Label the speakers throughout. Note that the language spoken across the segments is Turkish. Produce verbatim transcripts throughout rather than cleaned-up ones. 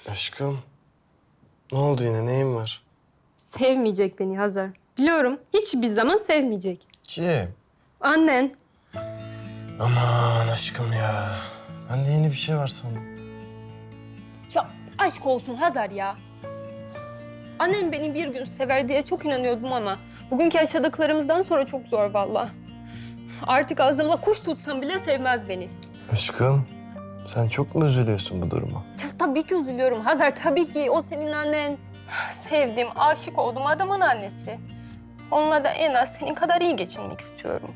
Speaker 1: Aşkım, ne oldu yine? Neyin var?
Speaker 2: Sevmeyecek beni Hazar. Biliyorum, hiçbir zaman sevmeyecek.
Speaker 1: Kim?
Speaker 2: Annen.
Speaker 1: Aman aşkım ya. Ben de yeni bir şey var sandım.
Speaker 2: Ya aşk olsun Hazar ya. Annen beni bir gün sever diye çok inanıyordum ama... ...bugünkü yaşadıklarımızdan sonra çok zor vallahi. Artık ağzımla kuş tutsam bile sevmez beni.
Speaker 1: Aşkım, sen çok mu üzülüyorsun bu duruma?
Speaker 2: Ya, tabii ki üzülüyorum Hazar, tabii ki. O senin annen. Sevdim, aşık oldum adamın annesi. Onunla da en az senin kadar iyi geçinmek istiyorum.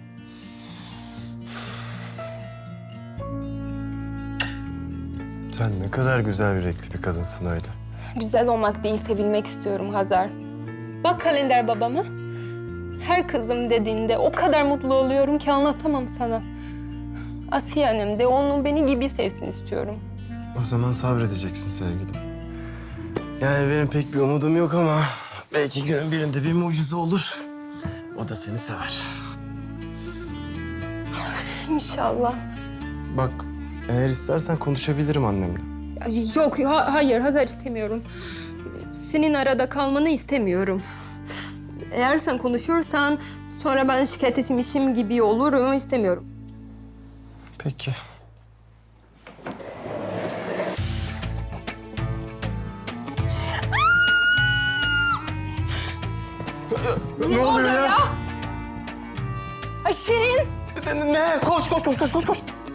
Speaker 1: Sen ne kadar güzel yürekli bir kadınsın öyle.
Speaker 2: Güzel olmak değil, sevilmek istiyorum Hazar. Bak kalender babamı. Her kızım dediğinde o kadar mutlu oluyorum ki anlatamam sana. Asiye annem de onun beni gibi sevsin istiyorum.
Speaker 1: O zaman sabredeceksin sevgilim. Yani benim pek bir umudum yok ama... ...belki günün birinde bir mucize olur. O da seni sever.
Speaker 2: İnşallah.
Speaker 1: Bak, eğer istersen konuşabilirim annemle.
Speaker 2: Yok, ha- hayır Hazar istemiyorum. Senin arada kalmanı istemiyorum. Eğer sen konuşursan sonra ben şikayet etmişim gibi olurum, istemiyorum.
Speaker 1: Peki. Ne, ne oluyor ya?
Speaker 2: Ay Şirin!
Speaker 1: Ne? ne? Koş, koş, koş, koş, koş, koş.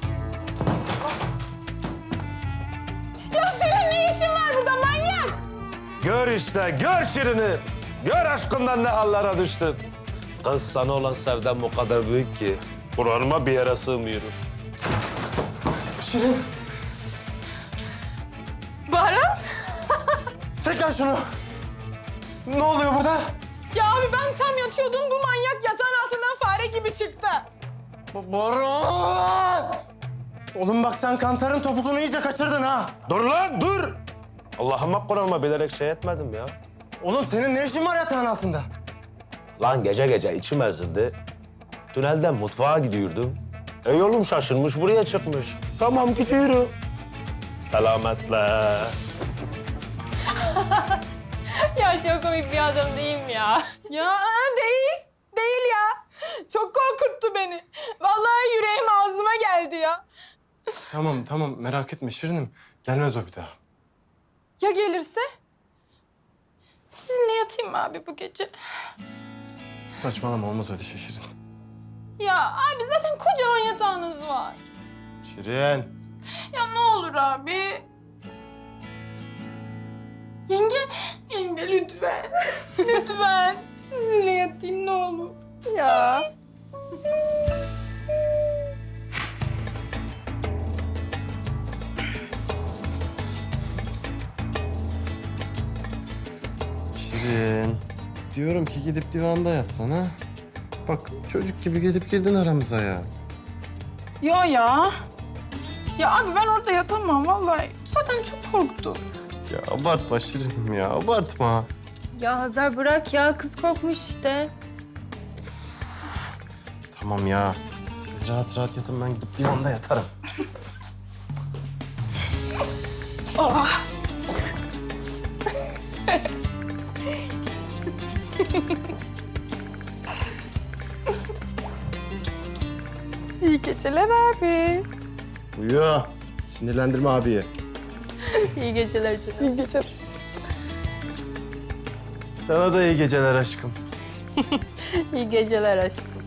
Speaker 2: Ya Şirin ne işin var burada manyak?
Speaker 3: Gör işte, gör Şirin'i. Gör aşkından ne hallere düştüm. Kız sana olan sevdam o kadar büyük ki... ...Kur'an'ıma bir yere sığmıyorum.
Speaker 1: Şirin,
Speaker 2: Baran?
Speaker 1: çek lan şunu. Ne oluyor burada?
Speaker 4: Ya abi ben tam yatıyordum, bu manyak yatağın altından fare gibi çıktı.
Speaker 1: Bu Baran! Oğlum bak sen kantarın topuzunu iyice kaçırdın ha.
Speaker 3: Dur lan, dur! Allah'ıma Kur'an'ıma bilerek şey etmedim ya.
Speaker 1: Oğlum senin ne işin var yatağın altında?
Speaker 3: Lan gece gece içim ezildi. Tünelden mutfağa gidiyordum. E yolum şaşırmış, buraya çıkmış. Tamam gidiyorum. Selametle.
Speaker 4: Ya çok komik bir adam değil mi ya? Ya aa, değil, değil ya. Çok korkuttu beni. Vallahi yüreğim ağzıma geldi ya.
Speaker 1: Tamam tamam merak etme Şirinim. Gelmez o bir daha.
Speaker 4: Ya gelirse? Sizinle yatayım mı abi bu gece?
Speaker 1: Saçmalama olmaz öyle şey Şirin.
Speaker 4: Ya abi zaten kocaman yatağınız var.
Speaker 1: Şirin.
Speaker 4: Ya ne olur abi. Yenge, yenge lütfen. Lütfen. Sizinle yatayım ne olur.
Speaker 2: Ya.
Speaker 1: Şirin. Diyorum ki gidip divanda yatsana. Bak çocuk gibi gelip girdin aramıza ya.
Speaker 4: Ya ya. Ya abi ben orada yatamam vallahi. Zaten çok korktum.
Speaker 1: Ya abartma Şirinim ya abartma.
Speaker 2: Ya Hazar bırak ya, kız korkmuş işte.
Speaker 1: Tamam ya. Siz rahat rahat yatın ben gidip divanda yatarım.
Speaker 4: İyi geceler abi.
Speaker 1: Uyu. Sinirlendirme abiyi.
Speaker 2: İyi geceler canım.
Speaker 4: İyi geceler.
Speaker 1: Sana da iyi geceler aşkım.
Speaker 2: İyi geceler aşkım.